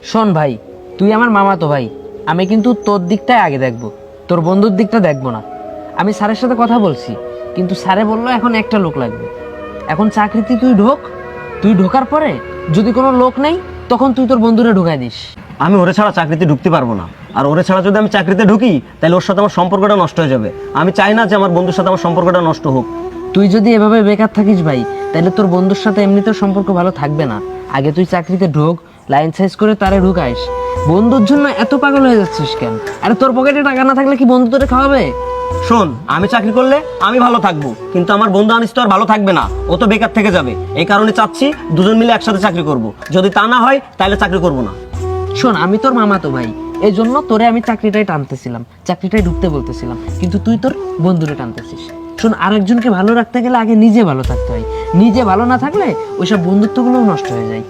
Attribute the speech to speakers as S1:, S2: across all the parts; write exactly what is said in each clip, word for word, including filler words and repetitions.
S1: শোন ভাই, তুই আমার মামাতো ভাই, আমি কিন্তু তোর দিকটাই আগে দেখবো, তোর বন্ধুর দিকটা দেখবো না। আমি স্যারের সাথে কথা বলছি, কিন্তু স্যারে বললো এখন একটা লোক লাগবে। এখন চাকরিতে তুই ঢোক, তুই ঢোকার পরে যদি কোনো লোক নেই তখন তুই তোর বন্ধুরে ঢুকাই দিস।
S2: আমি ওরে ছাড়া চাকরিতে ঢুকতে পারবো না, আর ওরে ছাড়া যদি আমি চাকরিতে ঢুকি তাহলে ওর সাথে আমার সম্পর্কটা নষ্ট হয়ে যাবে। আমি চাই না যে আমার বন্ধুর সাথে আমার সম্পর্কটা নষ্ট হোক।
S1: তুই যদি এভাবে বেকার থাকিস ভাই, তাহলে তোর বন্ধুর সাথে এমনিতেও সম্পর্ক ভালো থাকবে না। আগে তুই চাকরিতে ঢোক, লাইন সাইজ করে তারে ঢুকাইস। বন্ধুর জন্য এত পাগল হয়ে যাচ্ছিস কেন? আরে তোর পকেটে টাকা না থাকলে কি বন্ধু তোরে খাওয়াবে?
S2: শোন, আমি চাকরি করলে আমি ভালো থাকবো, কিন্তু আমার বন্ধু আনিস তো আর ভালো থাকবে না, ও তো বেকার থেকে যাবে। এই কারণে চাচ্ছি দুজন মিলে একসাথে চাকরি করব। যদি তা না হয় তাহলে চাকরি করব না।
S1: শোন, আমি তোর মামাতো ভাই, এই জন্য তোরে আমি চাকরিটাই টানতেছিলাম, চাকরিটাই ঢুকতে বলতেছিলাম, কিন্তু তুই তোর বন্ধুরে টানতেছিস। শোন, আরেকজনকে ভালো রাখতে গেলে আগে নিজে ভালো থাকতে হয়। নিজে ভালো না থাকলে ওইসব বন্ধুত্বগুলোও নষ্ট হয়ে যায়।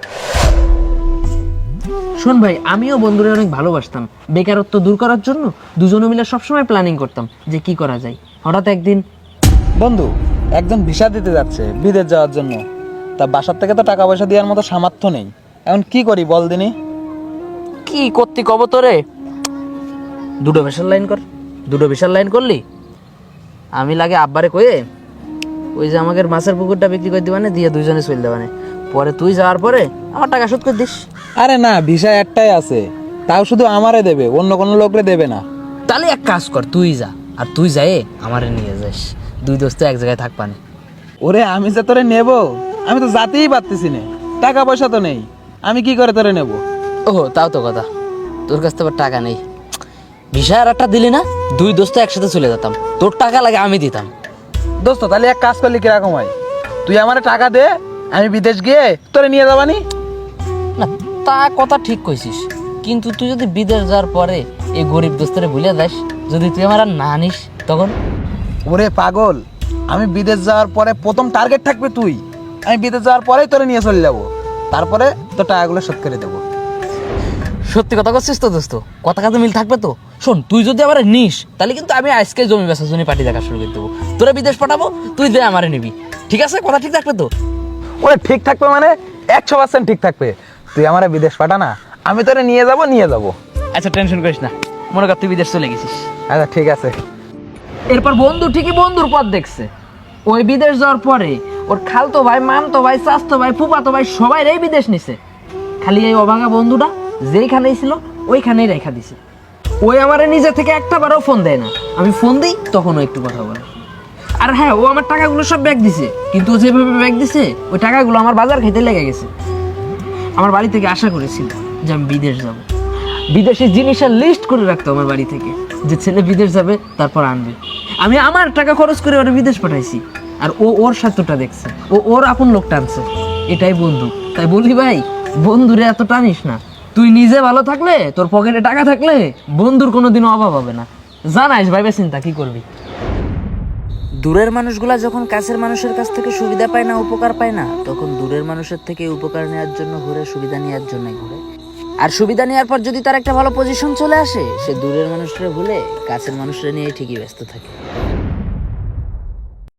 S1: শোন ভাই, আমিও বন্ধুরে অনেক ভালোবাসতাম। বেকারত্ব দূর করার জন্য দুজনে মিলে সবসময় প্ল্যানিং করতাম যে কি করা যায়। হঠাৎ একদিন
S3: বন্ধু একজন ভিসা দিতে যাচ্ছে বিদেশ যাওয়ার জন্য, তা বাসার থেকে তো টাকা পয়সা দেওয়ার মতো সামর্থ্য নেই। এখন কি করি বল দিনি?
S1: কি করতি কব তোরে, দুটো ভিসার লাইন কর। দুটো ভিসার লাইন করলি আমি লাগে আব্বারে কয়ে ওই যে আমাদের মাছের পুকুরটা বিক্রি করে দিবানে, দিয়ে দুইজনে চলে দেবানে, পরে তুই যাওয়ার পরে আমার টাকা শোধ করে দিস।
S3: আরে না, ভিসা একটাই আছে, তাও শুধু আমারে দেবে, অন্য কোনো লোকরে দেবে না।
S1: তাহলে এক কাজ কর, তুই যা, আর তুই যাই আমারে নিয়ে যাস, দুই দোস্ত এক জায়গায় থাকবানে।
S3: ওরে আমি যে তোরে নেব, আমি তো যাতেই পারতেছি না, টাকা পয়সা তো নেই, আমি কি করে তোরে নেব?
S1: ওহো, তাও তো কথা, তোর কাছ থেকে টাকা নেই। ভিসা আর একটা দিলি না, দুই দোস্ত একসাথে চলে যেতাম, তোর টাকা লাগে আমি দিতাম।
S3: দোস্ত তাহলে এক কাজ করলি কিরকম হয়, তুই আমারে টাকা দে, আমি বিদেশ গিয়ে তোরে নিয়ে যাবানি।
S1: না, তা কথা ঠিক কইছিস, কিন্তু তুই যদি বিদেশ যাওয়ার পরে এই গরিব দোস্তরে ভুলে যাস, যদি তুই আমার আর না নিস তখন?
S3: ওরে পাগল, আমি বিদেশ যাওয়ার পরে প্রথম টার্গেট থাকবে তুই। আমি বিদেশ যাওয়ার পরেই তোরে নিয়ে চলে যাবো, তারপরে তোর টাকাগুলো শোধ করে দেবো।
S1: সত্যি কথা করছিস তো দোস্ত? কথা কাজে মিল থাকবে তো? শোন, তুই যদি আমার নিস তাহলে কিন্তু আমি আজকে জমি বেচা জমি পাটি দেখা শুরু করে দেবো, তোরা বিদেশ পাঠাবো, তুই যে আমারে নিবি। ঠিক আছে? কথা ঠিক থাকবে তো?
S3: ওরে ঠিক থাকবে মানে একশো পার্সেন্ট ঠিক থাকবে। তুই আমার বিদেশ পাঠা না, আমি তোরে নিয়ে যাব নিয়ে যাব।
S1: আচ্ছা, টেনশন করিস না, মনে কর তুই বিদেশ চলে গেছিস।
S3: আচ্ছা ঠিক আছে।
S1: এরপর বন্ধু ঠিকই বন্ধুর পথ দেখছে। ওই বিদেশ যাওয়ার পরে ওর খালতো ভাই, মামতো ভাই, চাচতো ভাই, ফুফাতো ভাই সবাই রে বিদেশ নিছে। খালি এই অভাগা বন্ধুটা যেইখানেই ছিল ওইখানেই রেখা দিছে। ওই আমারে নিজে থেকে একটা বারও ফোন দেয় না, আমি ফোন দিই তখন ও একটু কথা বলে। আর হ্যাঁ, ও আমার টাকাগুলো সব ব্যাগ দিছে, কিন্তু ও যেভাবে ব্যাগ দিছে ওই টাকাগুলো আমার বাজার খেতে লেগে গেছে। আমার বাড়ি থেকে আশা করেছিল যে আমি বিদেশ যাব, বিদেশি জিনিসের লিস্ট করে রাখতো আমার বাড়ি থেকে, যে ছেলে বিদেশ যাবে তারপর আনবে। আমি আমার টাকা খরচ করে ওরা বিদেশ পাঠাইছি, আর ও ওর স্বার্থটা দেখছে, ও ওর আপন লোক টানছে। এটাই বন্ধু। তাই বলি ভাই, বন্ধুরে এত টানিস না। তুই নিজে ভালো থাকলে, তোর পকেটে টাকা থাকলে বন্ধুর কোনোদিনও অভাব হবে না। জানাইস ভাইবে চিন্তা কি করবি। দূরের মানুষগুলা যখন কাছের মানুষের কাছ থেকে সুবিধা পায় না, উপকার পায় না, তখন দূরের মানুষের থেকে উপকার নেওয়ার জন্য ঘুরে, সুবিধা নেওয়ার জন্যই ঘুরে। আর সুবিধা নেওয়ার পর যদি তার একটা ভালো পজিশন চলে আসে, সে দূরের মানুষরা ভুলে কাছের মানুষরা নিয়ে ঠিকই ব্যস্ত থাকে।